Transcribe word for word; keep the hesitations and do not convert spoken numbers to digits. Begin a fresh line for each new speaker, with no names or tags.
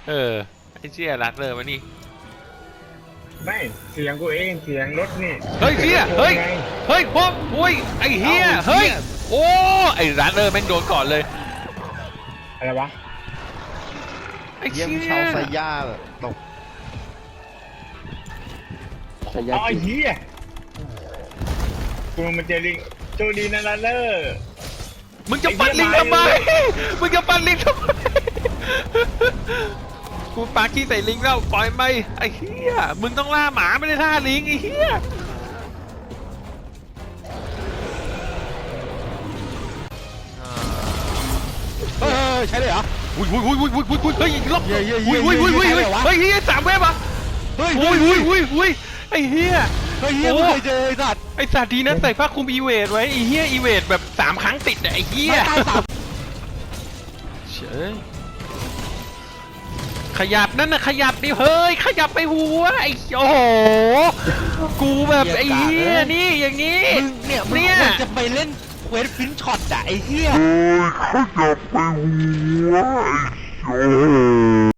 เออไอ้เชี่ยรัดเลยมานี่
ไม่เสียงกูเองเสียงรถนี่
เฮ้ยเชี่ยเฮ้ยเฮ้ยพวกอุ้ยไอ้เฮียเฮ้ยโอ้ไอ้รัดเลยแม่งโดนก่อนเลย
อะไรวะ
ไอ้เชี่ย
เชาไซย่าตก
ไอ้เหี้ยกูมันเจอลิงโจดีนั่นละเลอ
มึงจะปั่นลิงทำไมมึงจะปั่นลิงทำไมกูปาขี้ใส่ลิงแล้วปล่อยไปไอ้เหี้ยมึงต้องล่าหมาไม่ได้ล่าลิงไอ้เหี้ย
เฮ้ยใช่เลยเหรอ
อุ้ยอุ้ยอุ้ยอุ้ยอุ้ยอุ้ยเฮ้ยล็อกอุ้ยอุ้ยอุ้ยอุ้ยอุ้ยเฮ้ยเฮียสามเว็บอ่ะ
เฮ้ย
อุ้ยอุ้ยอุ้ยอุ้ยไอ้เหี้ย
เฮ้ยเฮียไม่เคยเจอไอ้สัตว์
ไอ้สัตว์ดีนะใส่ผ้าคลุมอีเวทไว้ไอ้เหี้ยอีเวทแบบสามครั้งติดอ่ะไอ้เหี้ยเฉยขยับนั่นน่ะขยับดิเฮ้ยขยับไปหัวไอ้โอ้โหกูแบบไอ้เหี้ยนี่อย่างงี้
เนี่ยเนี่ยจะไปเล่นเควสฟินช็อตอ่ะไอ้เหี้ย
ขยับไปหัวไอ้โ